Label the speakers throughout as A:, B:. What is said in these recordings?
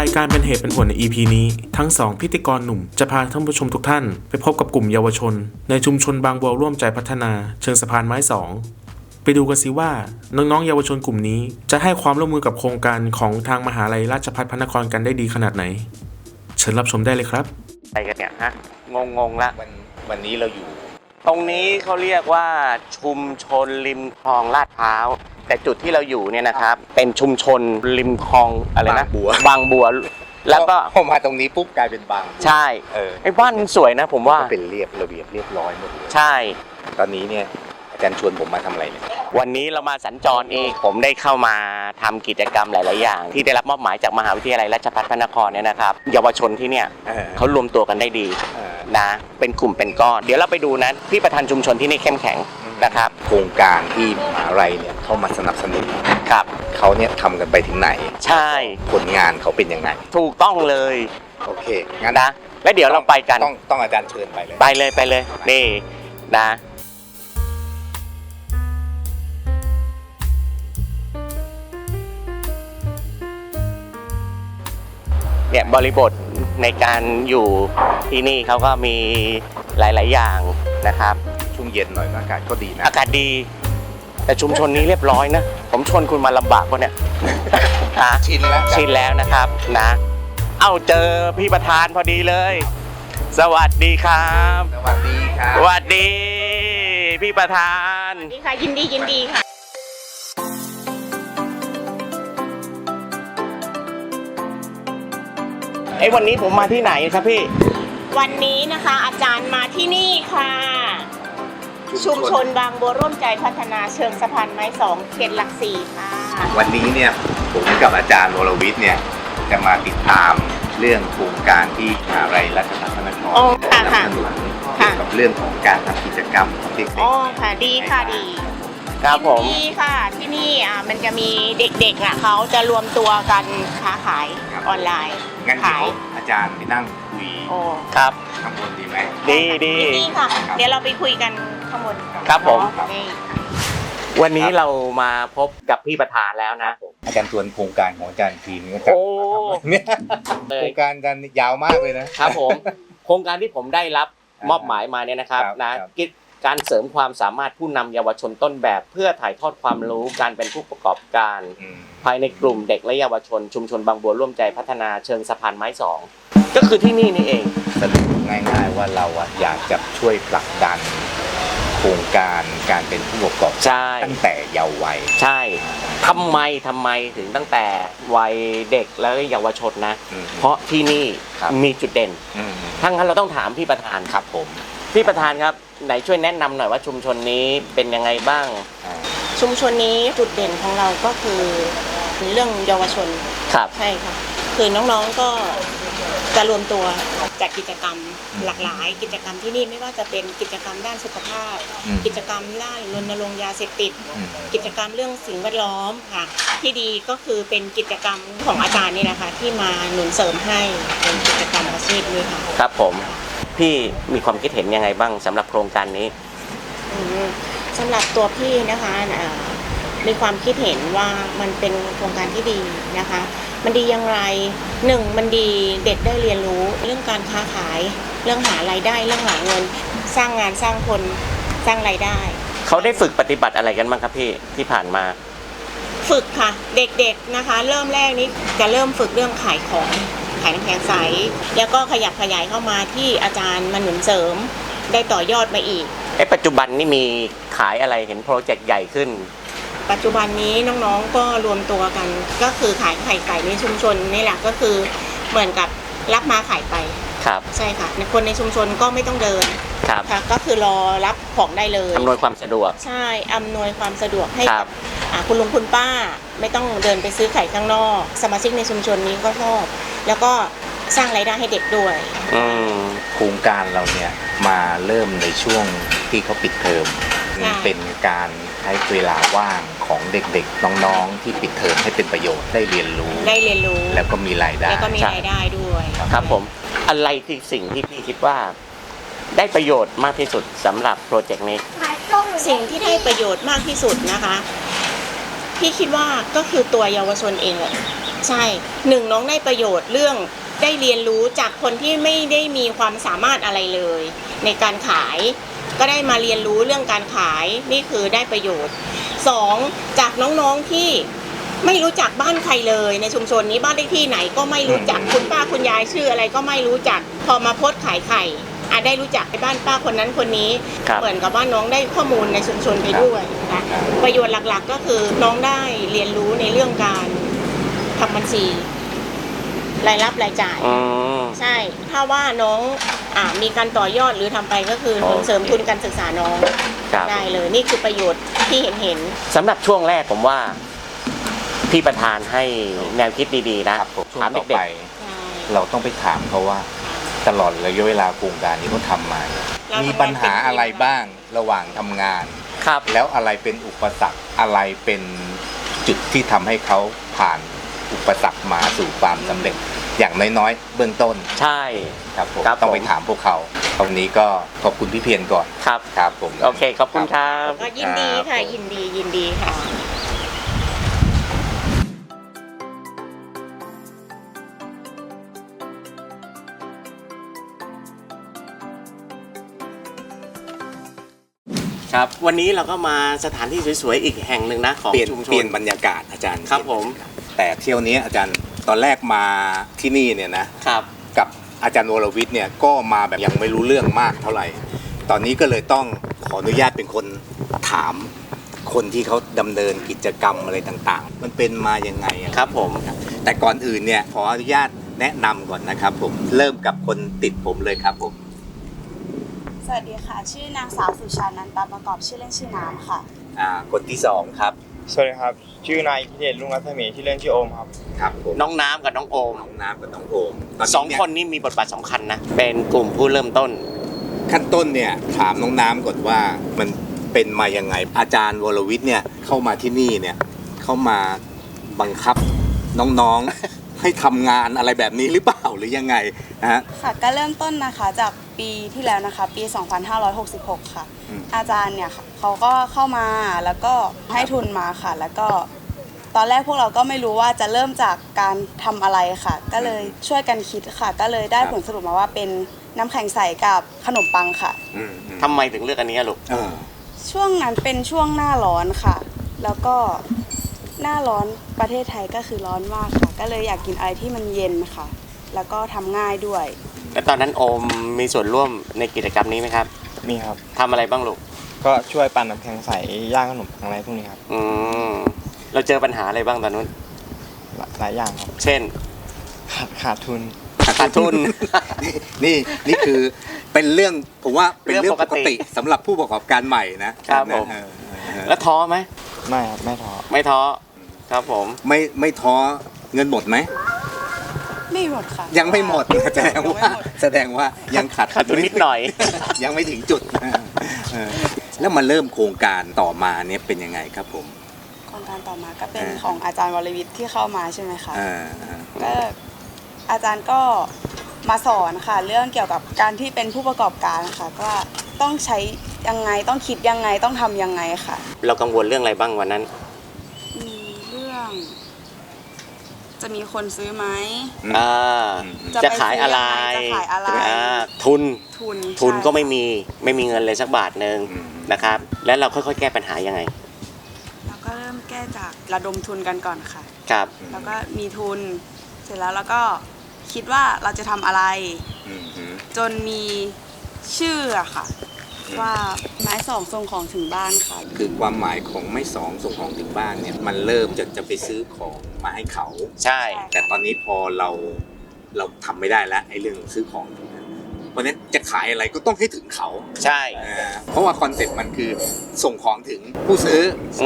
A: ายการเป็นเหตุเป็นผลใน EP นี้ทั้ง2พิธีกรหนุ่มจะพาท่านผู้ชมทุกท่านไปพบกับกลุ่มเยาวชนในชุมชนบางบัวร่วมใจพัฒนาเชิงสะพานไม้2ไปดูกันสิว่าน้องๆเยาวชนกลุ่มนี้จะให้ความร่วมมือกับโครงการของทางมหาลัยราชภัฏพระนครกันได้ดีขนาดไหนเชิญรับชมได้เลยครับ
B: ไปกันเนี่ยฮะงงละ
C: วันนี้เราอยู่
B: ตรงนี้เขาเรียกว่าชุมชนริมคลองลาดพร้าวแต่จุดที่เราอยู่เนี่ยนะครับเป็นชุมชนริมคลองอะไรนะบางบัวแล้วก็
C: พอมาตรงนี้ปุ๊บกลายเป็นบาง
B: ใช่ไอ้บ้านสวยนะผมว่า
C: เป็นเรียบระเบียบเรียบร้อยหมดเลย
B: ใช่
C: ตอนนี้เนี่ยอาจารย์ชวนผมมาทำอะไรเนี่ย
B: วันนี้เรามาสัญจรเองผมได้เข้ามาทำกิจกรรมหลายๆอย่างที่ได้รับมอบหมายจากมหาวิทยาลัยราชภัฏพระนครเนี่ยนะครับเยาวชนที่เนี่ยเขารวมตัวกันได้ดีนะเป็นกลุ่มเป็นก้อนเดี๋ยวเราไปดูนะพี่ประธานชุมชนที่นี่เข้มแข็งนะครับ
C: โครงการที่มหาลัยเนี่ยเข้ามาสนับสนุน
B: ครับ
C: เขาเนี่ยทำกันไปถึงไหน
B: ใช่
C: ผลงานเขาเป็นยังไง
B: ถูกต้องเลย
C: โอเคงั้น
B: นะแล้วเดี๋ยวเราไปกัน
C: ต้องอาจารย์เชิญไปเลย
B: ไปเลยนี่นะเนี่ยบริบทในการอยู่ที่นี่เขาก็มีหลายๆอย่างนะครับ
C: ช่วงเย็นหน่อยอากาศก็ดีนะ
B: อากาศดีแต่ชุมชนนี้เรียบร้อยนะผมชวนคุณมาลำบากวะเนี่ย
C: ชินแล้ว
B: นะครับนะเจอพี่ประธานพอดีเลยสวัสดีครับ
C: สวัสดีครับ
B: สวัสดีพี่ประธาน
D: สวัสดีค่ะยินดีค่ะ
B: วันนี้ผมมาที่ไหนครับพี่
D: วันนี้นะคะอาจารย์มาที่นี่ค่ะชุมชนบางบัวร่วมใจพัฒนาเชิงสะพานไม้2เขตหลัก4ค่ะ
C: วันนี้เนี่ยผมกับอาจารย์วรวิทย์เนี่ยจะมาติดตามเรื่องโครงการที่มหาวิทยาลัยราชภัฏพระนครสนับสนุนเกี่ยวกับเรื่องของการทำกิจกรรมของเด็ก
D: ๆค่ะดีค่ะดี
B: ครับผม
D: ที่ค่ะที่นี่มันจะมีเด็กๆเขาจะรวมตัวกันค้าขายออนไลน์
C: งั้นเดี๋ยวอาจารย์ไปนั่งคุย
B: ครับ
C: ข้างบนดีไหม
B: ดี
D: ค่ะเดี๋ยวเราไปคุยกันข้างบน
B: ครับผมวันนี้เรามาพบกับพี่ประธานแล้วนะ
C: อาจารย์ทวนโครงการของอาจารย์ทีมก็จะเนี่ยโครงการกันยาวมากเลย
B: นะครับผมโครงการที่ผมได้รับมอบหมายมาเนี่ยนะครับนะการเสริมความสามารถผู้นำเยาวชนต้นแบบเพื่อถ่ายทอดความรู้การเป็นผู้ประกอบการภายในกลุ่มเด็กและเยาวชนชุมชนบางบัวร่วมใจพัฒนาเชิงสะพานไม้2ก็คือที่นี่เอง
C: สรุปง่ายๆว่าเราอยากจะช่วยผลักดันโครงการการเป็นผู้ประกอบการตั้งแต่เยาว์วัย
B: ใช่ทำไมถึงตั้งแต่วัยเด็กและเยาวชนนะเพราะที่นี่มีจุดเด่นทั้งนั้นเราต้องถามพี่ประธาน
C: ครับผม
B: พี่ประธานครับไหนช่วยแนะนำหน่อยว่าชุมชนนี้เป็นยังไงบ้าง
D: ชุมชนนี้จุดเด่นของเราก็คือเรื่องเยาวชน
B: ครับ
D: ใช่ค่ะคือน้องๆก็จะรวมตัวจัดกิจกรรมหลากหลายกิจกรรมที่นี่ไม่ว่าจะเป็นกิจกรรมด้านสุขภาพกิจกรรมด้านรณรงค์ยาเสพติดกิจกรรมเรื่องสิ่งแวดล้อมค่ะที่ดีก็คือเป็นกิจกรรมของอาจารย์นี่นะคะที่มาหนุนเสริมให้เป็นกิจกรรมอาชีพนี้ค่ะ
B: ครับผมพี่มีความคิดเห็นยังไงบ้างสำหรับโครงการนี้
D: สำหรับตัวพี่นะคะมีความคิดเห็นว่ามันเป็นโครงการที่ดีนะคะมันดีอย่างไร1มันดีเด็กได้เรียนรู้เรื่องการค้าขายเรื่องหารายได้เรื่องหาเงินสร้างงานสร้างคนสร้างรายได้
B: เขาได้ฝึกปฏิบัติอะไรกันบ้างครับพี่ที่ผ่านมา
D: ฝึกค่ะเด็กๆนะคะเริ่มแรกนี้จะเริ่มฝึกเรื่องขายของขายน้ำแข็งใสแล้วก็ขยับขยายเข้ามาที่อาจารย์มาหนุนเสริมได้ต่อยอดมาอีก
B: ปัจจุบันนี่มีขายอะไรเห็นโปรเจกต์ใหญ่ขึ้น
D: ปัจจุบันนี้น้องๆก็รวมตัวกันก็คือขายไข่ไก่ในชุมชนนี่แหละก็คือเหมือนกับรับมาขายไป
B: ครับ
D: ใช่ค่ะคนในชุมชนก็ไม่ต้องเดิน
B: ครับ
D: ก็คือรอรับของได้เลย
B: อำนวยความสะดวก
D: ใช่อำนวยความสะดวกให้กับคุณลุงคุณป้าไม่ต้องเดินไปซื้อไข่ข้างนอกสมาชิกในชุมชนนี้ก็ชอบแล้วก็สร้างรายได้ให้เด็กด้วย
C: โครงการเราเนี่ยมาเริ่มในช่วงที่เขาปิดเทอมเป็นการใช้เวลาว่างของเด็กๆน้องๆที่ปิดเทอมให้เป็นประโยชน์ได้เรียนรู้แล้วก็มีรายได้
D: ด้วย
B: ครับผมอะไรที่สิ่งที่พี่คิดว่าได้ประโยชน์มากที่สุดสำหรับโปรเจกต์นี้
D: สิ่งที่ได้ประโยชน์มากที่สุดนะคะพี่คิดว่าก็คือตัวเยาวชนเองแหละใช่หนึ่งน้องได้ประโยชน์เรื่องได้เรียนรู้จากคนที่ไม่ได้มีความสามารถอะไรเลย ในการขายก็ได้มาเรียนรู้เรื่องการขายนี่คือได้ประโยชน์สองจากน้องๆที่ไม่รู้จักบ้านใครเลยในชุมชนนี้บ้านเลขที่ไหนก็ไม่รู้จักคุณป้าคุณยายชื่ออะไรก็ไม่รู้จักพอมาโพสต์ขายไข่ได้รู้จักไปบ้านป้าคนนั้นคนนี้เหมือนกับว่าน้องได้ข้อมูลในชุมชนไปด้วยนะคะประโยชน์หลักๆก็คือน้องได้เรียนรู้ในเรื่องการทำบัญชีรายรับรายจ่ายใช่ถ้าว่าน้องมีการต่อยอดหรือทำไปก็คือเสริมทุนการศึกษาน้องได้เลยนี่คือประโยชน์ที่เห็น
B: สำหรับช่วงแรกผมว่าพี่ประธานให้แนวคิดดีๆนะ
C: ช่วงต่อไปเราต้องไปถามเขาว่าตลอดระยะเวลาโครงการนี้เขาทำมามีปัญหาอะไรบ้างระหว่างทำงาน
B: ครับ
C: แล้วอะไรเป็นอุปสรรคอะไรเป็นจุดที่ทำให้เขาผ่านอุปสรรคมาสู่ความสำเร็จอย่างน้อยๆเบื้องต้น
B: ใช่
C: ครับผมต้องไปถามพวกเขาตรงนี้ก็ขอบคุณพี่เพียรก่อนครับผม
B: โอเคขอบคุณครับ
D: ก็ยินดีค่ะยินดีค่ะ
B: ครับวันนี้เราก็มาสถานที่สวยๆอีกแห่งหนึ่งนะของชุมชน
C: เปลี่ยนบรรยากาศอาจารย์
B: ครับผม
C: แต่เที่ยวนี้อาจารย์ตอนแรกมาที่นี่เนี่ยนะครับกับอาจารย์วรวิทย์เนี่ยก็มาแบบยังไม่รู้เรื่องมากเท่าไหร่ตอนนี้ก็เลยต้องขออนุญาตเป็นคนถามคนที่เขาดำเนินกิจกรรมอะไรต่างๆมันเป็นมายังไง
B: ครับผม
C: แต่ก่อนอื่นเนี่ยขออนุญาตแนะนำก่อนนะครับผมเริ่มกับคนติดผมเลยครับผม
E: สวัสดีค่ะชื่อนางสาวสุชานันตาประกอบชื่อเล่นชื่อน้ำค่ะ
C: คนที่สองครับ
F: สวัสดีครับชื่อนายพิเดชรุ่งรัศมีชื่อเล่นชื่อโอมครับ
C: ครับผม
B: น้องน้ำกับน้องโอมสองคนนี้มีบทบาทสำคัญนะเป็นกลุ่มผู้เริ่มต้น
C: ขั้นต้นเนี่ยถามน้องน้ำก่อนว่ามันเป็นมายังไงอาจารย์วรวิทย์เนี่ยเข้ามาที่นี่เนี่ยเข้ามาบังคับน้องๆ ให้ทำงานอะไรแบบนี้หรือเปล่าหรือยังไงฮะ
E: ค่ะก็เริ่มต้นนะคะจากปีที่แล้วนะคะปี2566ค่ะอาจารย์เนี่ยเขาก็เข้ามาแล้วก็ให้ทุนมาค่ะแล้วก็ตอนแรกพวกเราก็ไม่รู้ว่าจะเริ่มจากการทำอะไรค่ะก็เลยช่วยกันคิดค่ะก็เลยได้ผลสรุปมาว่าเป็นน้ำแข็งใสกับขนมปังค่ะ
B: ทำไมถึงเลือกอันนี้ลูก
E: ช่วงนั้นเป็นช่วงหน้าร้อนค่ะแล้วก็หน้าร้อนประเทศไทยก็คือร้อนมากค่ะก็เลยอยากกินอะไรที่มันเย็นค่ะแล้วก็ทำง่ายด้วย
B: แล้วตอนนั้นโอมมีส่วนร่วมในกิจกรรมนี้ไหมครับ
F: มีครับ
B: ทำอะไรบ้างลูก
F: ก็ช่วยปั่นน้ำแข็งใสย่างขนมอะไรพวกนี้ครับ
B: เราเจอปัญหาอะไรบ้างตอนนู้น
F: หลายอย่างครับ
B: เช่น
F: ขาดทุน
C: นี่คือเป็นเรื่องผมว่าเป็นเรื่องปกติสำหรับผู้ประกอบการใหม่นะครับ
B: ผมแล้วท้อไหม
F: ไม่ครับไม่
B: ท้อครับผม
C: ไม่ท้อเงินหมดไหม
E: ไม่หมดค่ะ
C: ยังไม่หมดแสดงว่ายังขาด
B: ทุนนิดหน่อย
C: ยังไม่ถึงจุดแล้วมาเริ่มโครงการต่อมาเนี่ยเป็นยังไงครับผม
E: โครงการต่อมาก็เป็นของอาจารย์วรวิทย์ที่เข้ามาใช่ไหมคะก็อาจารย์ก็มาสอนค่ะเรื่องเกี่ยวกับการที่เป็นผู้ประกอบการค่ะก็ต้องใช้ยังไงต้องคิดยังไงต้องทำยังไงค่ะ
B: เรากังวลเรื่องอะไรบ้างวันนั้น
E: เรื่องจะมีคนซื้อไหม
B: จะขายอะไรทุนก็ไม่มีเงินเลยสักบาทนึงนะครับแล้วเราค่อยๆแก้ปัญหายังไง
E: เราก็เริ่มแก้จากระดมทุนกันก่อนค่ะ
B: ครับ
E: แล้วก็มีทุนเสร็จแล้วเราก็คิดว่าเราจะทำอะไรจนมีชื่อค่ะว่าไม้สองส่งของถึงบ้านค่ะ
C: คือความหมายของไม้สองส่งของถึงบ้านเนี่ยมันเริ่มจะไปซื้อของมาให้เขา
B: ใช่
C: แต่ตอนนี้พอเราทำไม่ได้แล้วไอ้เรื่องซื้อของเพราะฉะนั้นจะขายอะไรก็ต้องให้ถึงเขา
B: ใช่
C: เพราะว่าคอนเซ็ปต์มันคือส่งของถึงผู้ซื้อ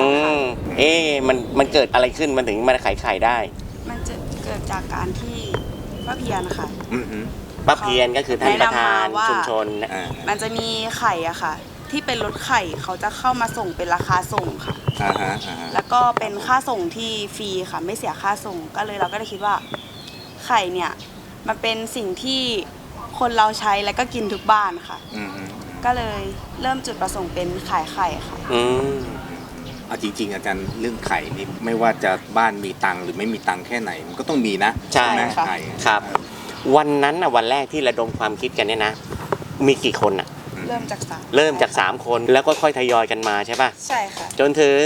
B: มันเกิดอะไรขึ้นมันถึงมาขายได้
E: มันจะเกิดจากการที่ป้าเพียรค่ะ
B: ป้าเพียรก็คือท่านประธานชุมชน
E: มันจะมีไข่อะค่ะที่เป็นรถไข่เขาจะเข้ามาส่งเป็นราคาส่งค่ะแล้วก็เป็นค่าส่งที่ฟรีค่ะไม่เสียค่าส่งก็เลยเราก็ได้คิดว่าไข่เนี่ยมันเป็นสิ่งที่คนเราใช้แล้วก็กินทุกบ้านค่ะก็เลยเริ่มจุดประสงค์เป็นขายไข่ค่ะ
C: เอาจริงๆอาจารย์เรื่องไข่นี่ไม่ว่าจะบ้านมีตังค์หรือไม่มีตังค์แค่ไหนมันก็ต้องมีนะ
B: ใช่
C: ไหม
E: ค่ะ
C: ไข่
B: ครับ วันนั้นน่ะวันแรกที่ระดมความคิดกันเนี่ยนะมีกี่คนอ่ะ
E: เริ่มจากสาม
B: เริ่มจาก3คนแล้วก็ค่อยทยอยกันมาใช่ป่ะ
E: ใช่ค่ะ
B: จนถึง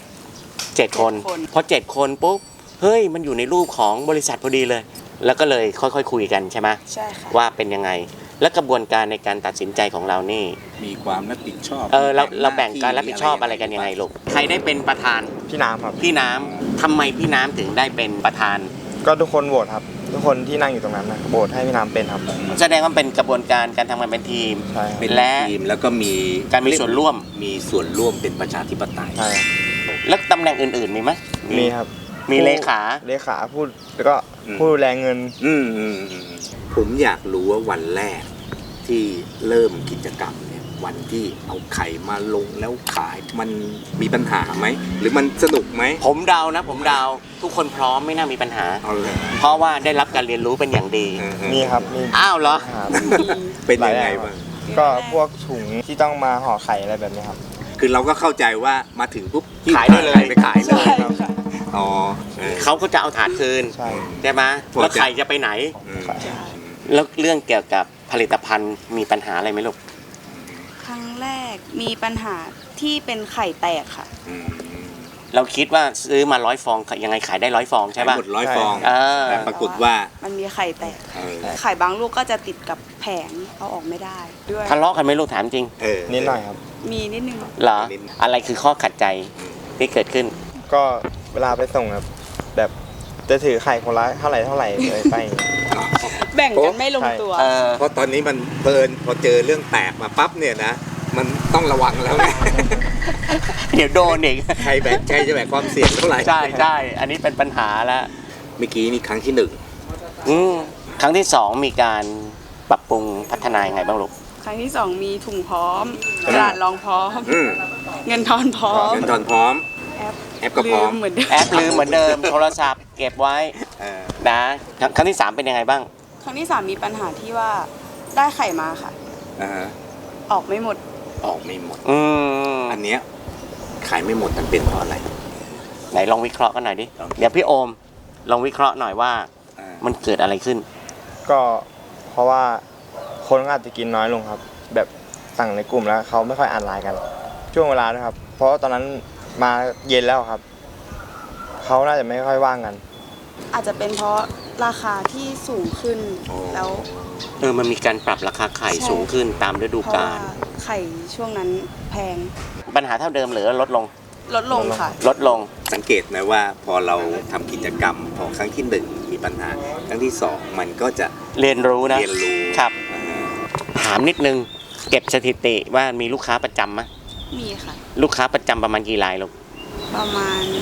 B: 7คน
E: คน
B: พอ7คนปุ๊บเฮ้ยมันอยู่ในรูปของบริษัทพอดีเลย แล้วก็เลยค่อยๆคุยกันใช่ไหม
E: ใช่ค่ะ
B: ว่าเป็นยังไง และกระบวนการในการตัดสินใจของเรานี่
C: มีความรับผิดชอบ
B: เราแบ่งการรับผิดชอบอะไรกันยังไงลูกใครได้เป็นประธาน
F: พี่น้ำครับ
B: พี่น้ำทำไมพี่น้ำถึงได้เป็นประธาน
F: ก็ทุกคนโหวตครับ ทุกคนที่นั่งอยู่ตรงนั้นนะโหวตให้พี่น้ำเป็นครับ
B: แสดงว่าเป็นกระบวนการการทำงานเป็นทีม
F: ใช่ครับ
C: เป็น
B: และ
C: ทีมแล้วก็มี
B: การมีส่วนร่วม
C: มีส่วนร่วมเป็นประชาธิปไตย
F: ใช่ครับ
B: แล้วตำแหน่งอื่นๆมีไหม
F: มีครับ
B: มีเลขา
F: เลขาพูดแล้วก็ผู้ดูแลเงิน
C: ผมอยากรู้ว่าวันแรกที่เริ่มกิจกรรมเนี่ยวันที่เอาไข่มาลงแล้วขายมันมีปัญหาไหมหรือมันสนุกไหม
B: ผมเดานะผมเดาทุกคนพร้อมไม่น่ามีปัญหา
C: เอาเลย
B: เพราะว่าได้รับการเรียนรู้เป็นอย่างดี
F: มีครับมี
B: อ้าวเหรอ
F: ครับ
C: เป็นยังไงบ้าง
F: ก็พวกถุงที่ต้องมาห่อไข่อะไรแบบนี้ครับ
C: คือเราก็เข้าใจว่ามาถึงปุ๊บ
B: ขายได้เลย
C: ไปขายเลย
E: ใช่ค่ะ
C: อ๋อเออ
B: เขาก็จะเอาถาดคืน
F: ใช่
B: ใช่ไหม
C: พอจะ
B: แล้วไข่จะไปไหน
C: อืม
E: ใช่
B: แล้วเรื่องเกี่ยวกับผลิตภัณฑ์มีปัญหาอะไรไหมลูก
E: ครั้งแรกมีปัญหาที่เป็นไข่แตกค่ะ
C: อืม
B: เราคิดว่าซื้อมา100 ฟองยังไงขายได้100 ฟองใช่ป่ะ
C: หมด100 ฟอง
B: เออ
C: แต่ปรากฏว่า
E: มันมีไข่แตก
C: เออ
E: ไข่บางลูกก็จะติดกับแผงเอาออกไม่ได้ด้วย
B: ทะเลาะกันไหมลูกถามจริง
C: เออ
F: นิดหน่อยครับ
E: มีนิดนึง
B: เหรออะไรคือข้อขัดใจที่เกิดขึ้น
F: ก็เวลาไปส่งครับแบบจะถือไข่คนละเท่าไหร่เลยไปอย่างเงี้ย
E: แบ่งกันไม่ลงตัว
B: เออ
C: เพราะตอนนี้มันเพลินพอเจอเรื่องแตกมาปั๊บเนี่ยนะมันต้องระวังแล้วไง
B: เดี๋ยวโดนอีก
C: ใครจะแบกความเสี่ยงเท่าไหร่
B: ใช่ใช่อันนี้เป็นปัญหาแล้ว
C: เมื่อกี้นี่ครั้งที่หนึ่ง
B: ครั้งที่2มีการปรับปรุงพัฒนายังไงบ้างลูก
E: ครั้งที่สองมีถุงพร้อมกระดาษรองพร้อม
C: อืม
E: เงินทอนพร้อม
C: เงินทอนพร้อม
E: แอป
C: แอปก็พร้อม
E: ลืเหมือนเดิม
B: แอปลืมเหมือนเดิม โทรศัพท์เก็บไว้
C: เออ
B: นะครั้งที่3เป็นยังไงบ้าง
E: ครั้งที่สามมีปัญหาที่ว่าได้ไข่มาค่ะ
C: อ่าฮะ
E: ออกไม่หมด
C: ออกไม่หมด
B: อั
C: อั
B: น
C: นเนี้ยขายไม่หมดมันเป็นเพราะอะไร
B: ไหนลองวิเคราะห์กันหน่อยดิ
C: ลอง
B: เดี๋ยวพี่โอมลองวิเคราะห์หน่อยว่า
C: อ่า
B: มันเกิดอะไรขึ้น
F: ก็เพราะว่าคนก็อาจจะกินน้อยลงครับ แบบสั่งในกลุ่มแล้วเขาไม่ค่อยอ่านไลน์กัน ช่วงเวลาด้วยครับ เพราะว่าตอนนั้นมาเย็นแล้วครับเขาน่าจะไม่ค่อยว่างกัน
E: อาจจะเป็นเพราะราคาที่สูงขึ้นแล้ว
B: มันมีการปรับราคาไข่
E: ใช่
B: สูงขึ้นตามฤดู
E: เพราะ
B: กา
E: ว่า
B: ล
E: ไข่ช่วงนั้นแพง
B: ปัญหาเท่าเดิมหรือลดลง
E: ลดลงค่ะ
B: ลดลง
C: สังเกตนะว่าพอเราทำกิจกรรมพอครั้งที่หนึ่งมีปัญหาครั้งที่สองมันก็จะ
B: เรียนรู้นะ
C: เรียนรู้
B: ครับ
C: อ่า
B: ถามนิดนึง เก็บสถิติว่ามีลูกค้าประจำไหม
E: มีค่ะ
B: ลูกค้าประจำประมาณกี่รายลูก
E: ประมาณ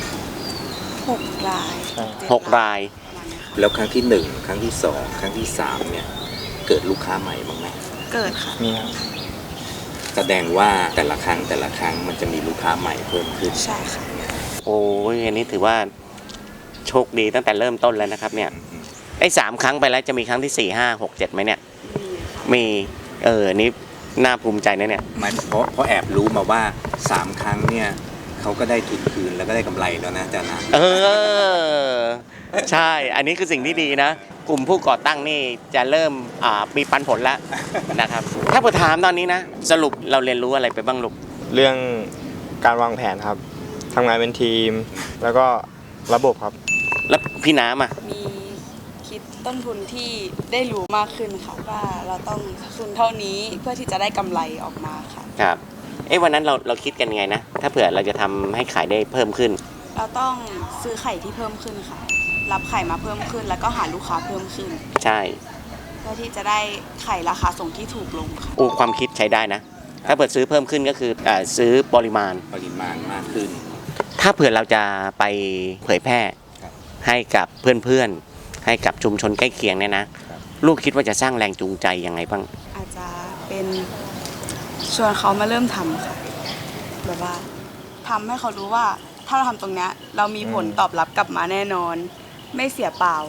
E: 6 ราย
F: ใช่
B: 6 ราย
E: ประมาณเนี้ยค่ะ
C: แล้วครั้งที่หนึ่งครั้งที่สองครั้งที่สามเนี่ยเกิดลูกค้าใหม่บ้างไหม
E: เกิดค่ะ
F: มีครับ
C: แสดงว่าแต่ละครั้งมันจะมีลูกค้าใหม่เพิ่มขึ้น
E: ใช่ค่ะ
B: โอ้ยอันนี้ถือว่าโชคดีตั้งแต่เริ่มต้นแล้วนะครับเนี่ยไอ้3 ครั้งไปแล้วจะมีครั้งที่ 4 5 6 7ไหมเนี่ย มีอันนี้น่าภูมิใจนะเนี่ย
C: มันเพราะแอบรู้มาว่า 3 ครั้งเนี่ยเขาก็ได้ทุนคืนแล้วก็ได้กำไรแล้วนะอาจารย์นะ
B: ใช่ อันนี้คือสิ่งที่ดีนะ กลุ่มผู้ก่อตั้งนี่จะเริ่มมีปันผลแล้วนะครับ ถ้าผมถามตอนนี้นะ สรุปเราเรียนรู้อะไรไปบ้างลูก
F: เรื่องการวางแผนครับทำงานเป็นทีม แล้วก็ระบบครับ
B: แล้วพี่น้ำอ่ะ
E: มีคิดต้นทุนที่ได้รู้มากขึ้นค่ะว่าเราต้องทุนเท่านี้เพื่อที่จะได้กำไรออกมาค่ะ
B: ครับ วันนั้นเราคิดกันยังไงนะ ถ้าเผื่อเราจะทำให้ขายได้เพิ่มขึ้น
E: เราต้องซื้อไข่ที่เพิ่มขึ้นค่ะ รับไข่มาเพิ่มขึ้น แล้วก็หาลูกค้าเพิ่มขึ้น
B: ใช่
E: เพื่อที่จะได้ไข่ราคาส่งที่ถูกลงค่ะ
B: ความคิดใช้ได้นะ ถ้าเผื่อซื้อเพิ่มขึ้นก็คือซื้อปริมาณ
C: ปริมาณมากขึ้น
B: ถ้าเผื่อเราจะไปเผยแพร่
C: ครับ
B: ให้กับเพื่อนๆ ให้กับชุมชนใกล้เคียงเนี่ยนะ
C: ครับ
B: ลูกคิดว่าจะสร้างแรงจูงใจยังไงบ้าง
E: อาจจะเป็นชวนเขามาเริ่มทำค่ะ แบบว่าทำให้เขารู้ว่าถ้าเราทำตรงเนี้ยเรามีผลตอบรับกลับมาแน่นอน ไม่เสียเปล่า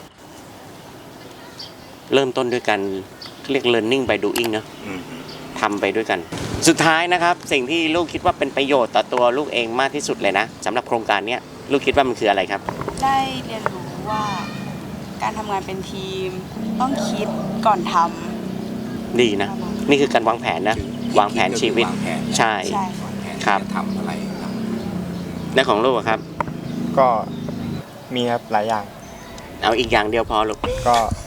B: เริ่มต้นด้วยการเรียก learning by doing เนอะ
C: อืม
B: ทำไปด้วยกันสุดท้ายนะครับสิ่งที่ลูกคิดว่าเป็นประโยชน์ต่อตัวลูกเองมากที่สุดเลยนะสำหรับโครงการเนี้ยลูกคิดว่ามันคืออะไรครับ
E: ได้เรียนรู้ว่าการทำงานเป็นทีมต้องคิดก่อนทำ
B: ดีนะ นี่คือการวางแผนนะ วางแผนชีวิต
C: วางแผน
B: ใช่
E: ใช่
C: วางแผน
B: ครับ
C: จะทำอะไรครับ
B: และของลูกอะครับ
F: ก็มีครับหลายอย่าง
B: เอาอีกอย่างเดียวพอลูก
F: ก็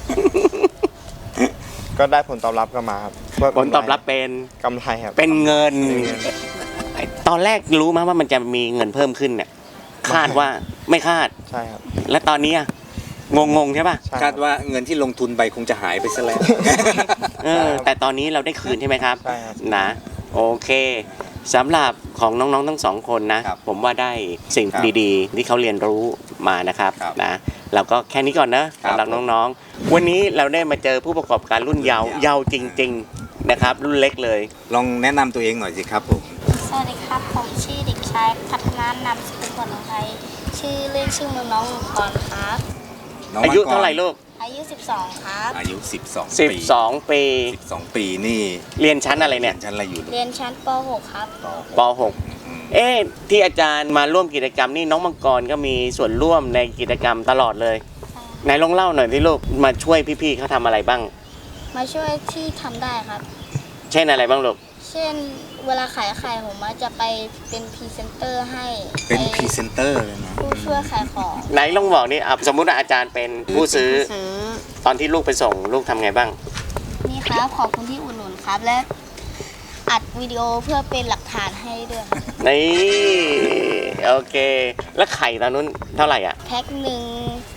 F: ก็ได้ผลตอบรับกลับมาครับเพื่
B: ผลตอบรับเป็น
F: กำไรครับ
B: เป็นเงินไอ้ตอนแรกรู้ไหมว่ามันจะมีเงินเพิ่มขึ้นเนี่ยคาดว่าไม่คาด
F: ใช่ครับ
B: และตอนนี้อะงงใช่ป่ะ
F: ใช่
C: คาดว่าเงินที่ลงทุนไปคงจะหายไปซะแล้ว
B: แต่ตอนนี้เราได้คืนใช่ไหมครับ
F: ใช่ครับ
B: นะโอเคสำหรับของน้องๆทั้งสองคนนะ
C: ครับ
B: ผมว่าได้สิ่ง
C: ครับ
B: ดีๆ ที่เขาเรียนรู้มานะครับ
C: ครับ
B: นะเราก็แค่นี้ก่อนนะครับ สำหรับน้องๆ วันนี้เราได้มาเจอผู้ประกอบการรุ่นเยาว์เยาว์จริง ๆนะครับ รุ่นเล็กเลย
C: ลองแนะนำตัวเองหน่อยสิครับผม
G: สวัสดีครับ ผมชื่อเด็กชายพัฒนานามสกุลผลไทยชื่อเล่นชื่อมือน้องมังกรครับ
C: น้ง
B: อายุ
C: มังก
B: เท่าไหร่ลูก
G: อายุ 12 ครับ
C: อายุ 12 ปี
B: 12 ปี
C: 12 ปีนี่
B: เรียนชั้นอะไร
C: เรี
B: เนี่ย ย
C: นชั้นอะไรอยู่ลูก
G: เรียนชั้นป .6 ครับ
B: ป .6 เอ๊ะที่อาจารย์มาร่วมกิจกรรมนี่น้องมังกรก็มีส่วนร่วมในกิจกรรมตลอดเลยไหนลองเล่าหน่อยที่ลูกมาช่วยพี่ๆเขาทำอะไรบ้าง
G: มาช่วยที่ทำได้ครับ
B: เช่นอะไรบ้างลูก
G: เช่นเวลาขายไข่ผมจะไปเป็นพรีเซนเตอร์ให้
C: เป็นพรีเซนเตอร์เลยนะ
G: ผู้ช่วยขายของ
B: ไหนลองบอกนี่อ่ะสมมุติว่าอาจารย์เป็นผู้ซื้อ ตอนที่ลูกไปส่งลูกทำไงบ้าง
G: นี่ครับขอบคุณที่อุดหนุนครับ และอัดวิดีโอเพื่อเป็นหลักฐานให้ด้วยครับ
B: นี่โอเค แล้วไข่ตอนนู้นเท่าไหร่อ่ะ
G: แพ็คหนึ่ง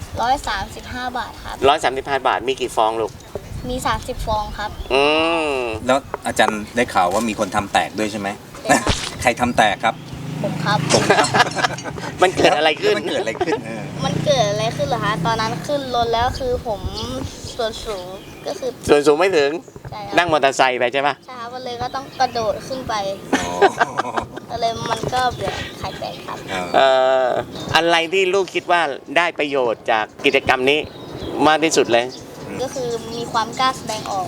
G: 135 บาทครับ
B: 135 บาทมีกี่ฟองลูก
G: มี 30 ฟองครับ
B: อืม
C: แล้วอาจารย์ได้ข่าวว่ามีคนทำแตกด้วยใช่ไหม
G: ใช่ครับ
C: ใครทำแตกครับ
G: ผมครับ
B: มันเกิดอะไรขึ้น
C: มันเกิดอะไรขึ้น
G: มันเกิดอะไรขึ้นเหรอคะ ตอนนั้นขึ้นรถแล้วคือผมส่วนสูงก็คือ
B: ส่วนสูงไม่ถึง
G: ใช่ค
B: นั่
G: รับ
B: งมอเตอร์ไซค์ไปใช่ปะ
G: ใช่ครับมันเลยก็ต้องกระโดดขึ้นไป
C: อ๋อ
G: ก็เลยมันก็เกิดไข่แตกครับ
B: เอ่ออะไรที่ลูกคิดว่าได้ประโยชน์จากกิจกรรมนี้มากที่สุดเลย
G: ก็คือมีความกล้าแสดงออก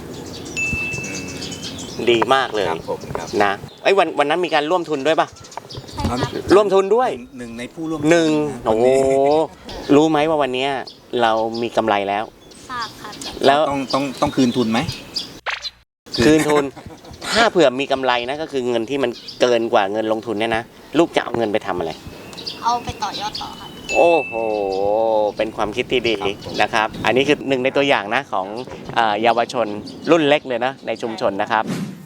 B: ดีมากเลย
C: ครับผมครับ
B: นะไอ้ยวันนั้นมีการร่วมทุนด้วยปะ
G: ใช่ครับ
B: ร่วมทุนด้วย
C: หนึ่งในผู้ร่วม
B: หนึ่ง
C: ทุ
B: โอ้โหรู้ไหมว่าวันเนี้ยเรามีกำไรแล้ว
G: ทราบครับ
B: แล้ว
C: ต้องคืนทุนไหม
B: คืนทุน ถ้าเผื่อมีกำไรนะก็คือเงินที่มันเกินกว่าเงินลงทุนเนี่ยนะลูกจะเอาเงินไปทำอะไร
G: เอาไปต่อยอดต่อครับ
B: โอ้โห เป็นความคิดที่ดีนะครับ อันนี้คือหนึ่งในตัวอย่างนะของเยาวชนรุ่นเล็กเลยนะในชุมชนนะครับ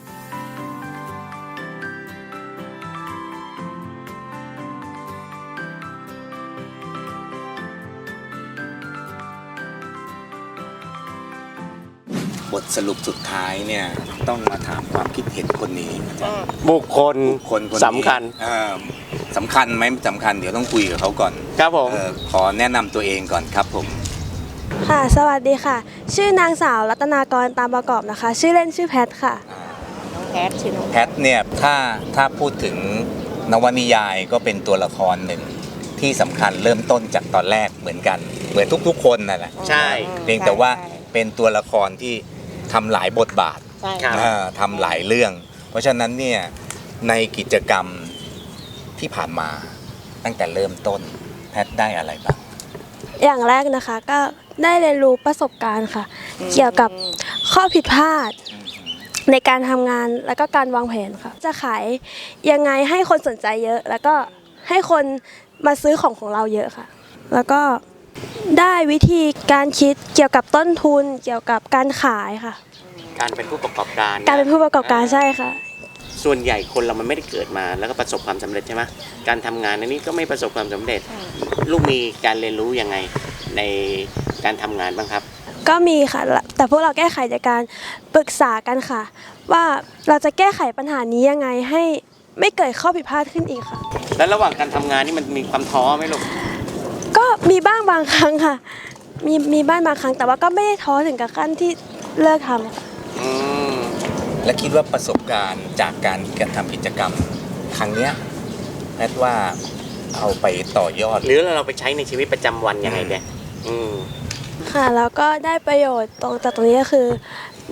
C: บทสรุปสุดท้ายเนี่ยต้องมาถามความคิดเห็นคนนี้
B: บุคคล
C: คนนี้
B: สำคัญ
C: สำคัญไหมสำคัญเดี๋ยวต้องคุยกับเขาก่อน
B: ครับผม
C: ขอแนะนำตัวเองก่อนครับผม
H: ค่ะ สวัสดีค่ะ ชื่อนางสาวรัตนากรตามประกอบนะคะ ชื่อเล่นชื่อแพทค่ะ
D: แพทชื่อน้อง
C: แพทเนี่ยถ้าพูดถึงนวนิยายก็เป็นตัวละครหนึ่งที่สำคัญเริ่มต้นจากตอนแรกเหมือนกัน เหมือนทุกๆคนนั่นแหละ
B: ใช่
C: เพียงแต่ว่าเป็นตัวละครที่ทำหลายบทบาท
D: ใช่
B: ครับ
C: ทำหลายเรื่อง เพราะฉะนั้นเนี่ยในกิจกรรมที่ผ่านมาตั้งแต่เริ่มต้นแพทได้อะไรบ้าง
H: อย่างแรกนะคะก็ได้เรียนรู้ประสบการณ์ค่ะ เกี่ยวกับข้อผิดพลาดในการทำงานแล้วก็การวางแผนค่ะ จะขายยังไงให้คนสนใจเยอะ แล้วก็ให้คนมาซื้อของเราเยอะค่ะ แล้วก็ได้วิธีการคิดเกี่ยวกับต้นทุนเกี่ยวกับการขายค่ะ
B: การเป็นผู้ประกอบการ
H: การเป็นผู้ประกอบการใช่ค่ะ
B: ส่วนใหญ่คนเรามันไม่ได้เกิดมาแล้วก็ประสบความสำเร็จใช่ไหมการทำงานอันนี้ก็ไม่ประสบความสำเร็จ ลูกมีการเรียนรู้ยังไงในการทำงานบ้างครับ
H: ก็มีค่ะ แต่พวกเราแก้ไขจากการปรึกษากันค่ะ ว่าเราจะแก้ไขปัญหานี้ยังไงให้ไม่เกิดข้อผิดพลาดขึ้นอีกค่ะ
B: แล้วระหว่างการทำงานนี่มันมีความท้อไหมลูก
H: ก็มีบ้างบางครั้งค่ะ มีบ้างบางครั้ง แต่ว่าก็ไม่ได้ท้อถึงกับขั้นที่เลิกทำค่ะ
B: อืม
C: และคิดว่าประสบการณ์จากการทำกิจกรรมครั้งเนี้ยแพทว่าเอาไปต่อยอด
B: หรือเราไปใช้ในชีวิตประจำวันยังไงเนี่ยอืม
H: ค่ะแล้วก็ได้ประโยชน์จากตรงนี้ก็คือ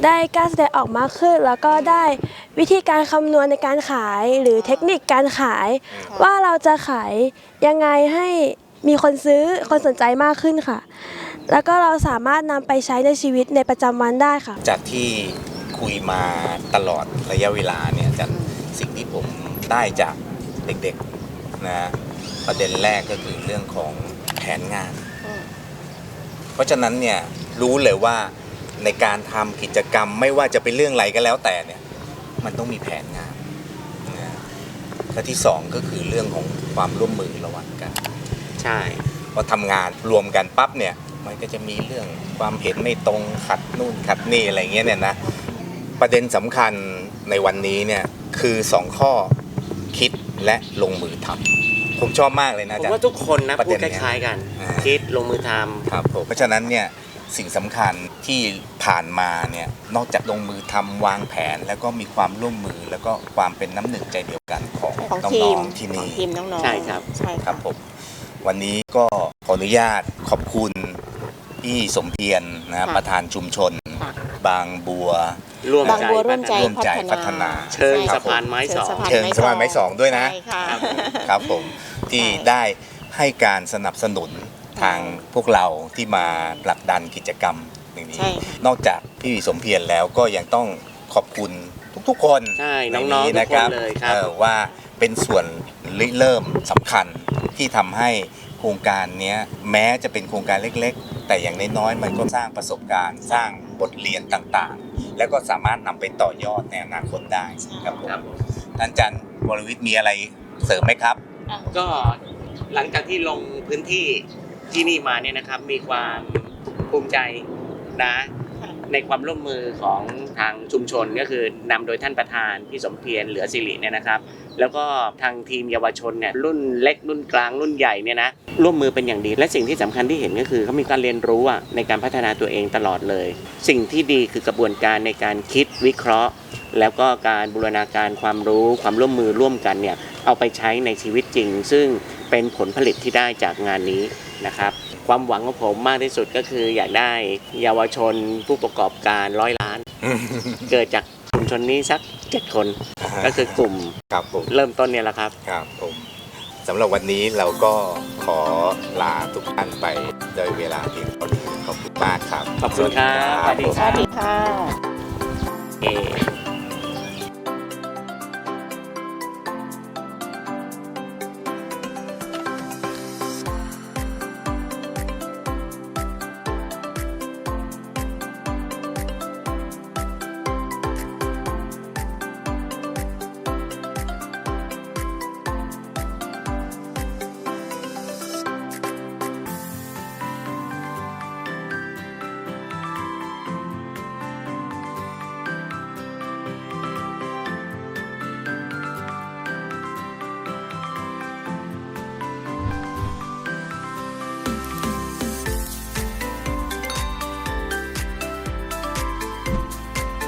H: ได้กล้าแสดงออกมากขึ้น แล้วก็ได้วิธีการคำนวณในการขายหรือเทคนิคการขาย ว่าเราจะขายยังไงให้มีคนซื้อคนสนใจมากขึ้นค่ะ แล้วก็เราสามารถนำไปใช้ในชีวิตในประจำวันได้ค่ะ
C: จากที่คุยมาตลอดระยะเวลาเนี่ยอาจารย์สิ่งที่ผมได้จากเด็กๆนะประเด็นแรกก็คือเรื่องของแผนงาน เพราะฉะนั้นเนี่ยรู้เลยว่าในการทำกิจกรรมไม่ว่าจะเป็นเรื่องอะไรก็แล้วแต่เนี่ยมันต้องมีแผนงานนะและที่สองก็คือเรื่องของความร่วมมือระหว่างกัน
B: ใช่
C: พอทำงานรวมกันปั๊บเนี่ยมันก็จะมีเรื่องความเห็นไม่ตรงขัดนู่นขัดนี่อะไรเงี้ยเนี่ยนะประเด็นสำคัญในวันนี้เนี่ยคือ2ข้อคิดและลงมือทำผมชอบมากเลยนะ
B: ผม
C: อาจารย์
B: ว่าทุกคนนะ
C: ประ
B: พู
C: เด็
B: ด
C: น
B: ค
C: เนี้ย
B: ล้ายๆกัน
C: อ่า
B: คิดลงมือทำ
C: ครับผมเพราะฉะนั้นเนี่ยสิ่งสำคัญที่ผ่านมาเนี่ยนอกจากลงมือทำวางแผนแล้วก็มีความร่วมมือแล้วก็ความเป็นน้ำหนึ่งใจเดียวกันของ
D: ของ
C: น้
D: ที
C: อ
D: ม
C: งๆที่
D: ของ
C: นี่
D: ทีมน้องๆ
B: ใช่ครับ
D: ใช่
C: ค
D: ค
C: รั
D: รั
C: บบ ผมวันนี้ก็ขออนุญาตขอบคุณพี่สมเพียรนะประธานชุมชน
D: ค่ะ
C: บางบัว
B: ร่วม
D: บางบัวร่วมใจ
C: ร่วมใจพัฒนา
B: เชิง
D: ใช่
B: สะพานไม้สอง
C: เชิงสะพานไม้สองด้วยนะ
D: ใช่ค่ะ
C: ครับผมที่
D: ใช่
C: ได้ให้การสนับสนุนทางพวกเราที่มาผลักดันกิจกรรมอย่างนี้
D: ใช่
C: นอกจากพี่สมเพียรแล้วก็ยังต้องขอบคุณทุกๆคน
B: ใช่
C: ใน
B: น้องๆทุก
C: นะ
B: ค
C: คน รับ
B: เลยครับ
C: ว่าเป็นส่วนริเริ่มสำคัญที่ทำให้โครงการเนี้ยแม้จะเป็นโครงการเล็กๆ แต่อย่างน้อยๆมันก็สร้างประสบการณ์ สร้างบทเรียนต่างๆ แล้วก็สามารถนำไปต่อยอดในอนาคตได้ครับผม
B: ครับผม
C: ท่านอาจารย์วรวิทย์มีอะไรเสริมไหมครับ
B: ก็หลังจากที่ลงพื้นที่ที่นี่มาเนี่ยนะครับมีความภูมิใจนะในความร่วมมือของทางชุมชนก็คือนำโดยท่านประธานพี่สมเพียรเหลือสิริเนี่ยนะครับ แล้วก็ทางทีมเยาวชนเนี่ยรุ่นเล็กรุ่นกลางรุ่นใหญ่เนี่ยนะร่วมมือเป็นอย่างดีและสิ่งที่สำคัญที่เห็นก็คือเขามีการเรียนรู้ในการพัฒนาตัวเองตลอดเลย สิ่งที่ดีคือกระบวนการในการคิดวิเคราะห์ แล้วก็การบูรณาการความรู้ความร่วมมือร่วมกันเนี่ยเอาไปใช้ในชีวิตจริง ซึ่งเป็นผลผลิตที่ได้จากงานนี้นะครับ ความหวังของผมมากที่สุดก็คืออยากได้เยาวชนผู้ประกอบการ100 ล้าน เกิดจากชุมชนนี้สัก7 คนก็คือกลุ่ม
C: ครับผม
B: เริ่มต้นเนี่ยแหละครับ
C: ครับผมสำหรับวันนี้เราก็ขอลาทุกท่านไปโดยเวลาเพียงเท่านี้ขอบคุณมากครับ
B: ขอบคุณครับสวัสดี
D: สวัสดีค่ะ
B: เอ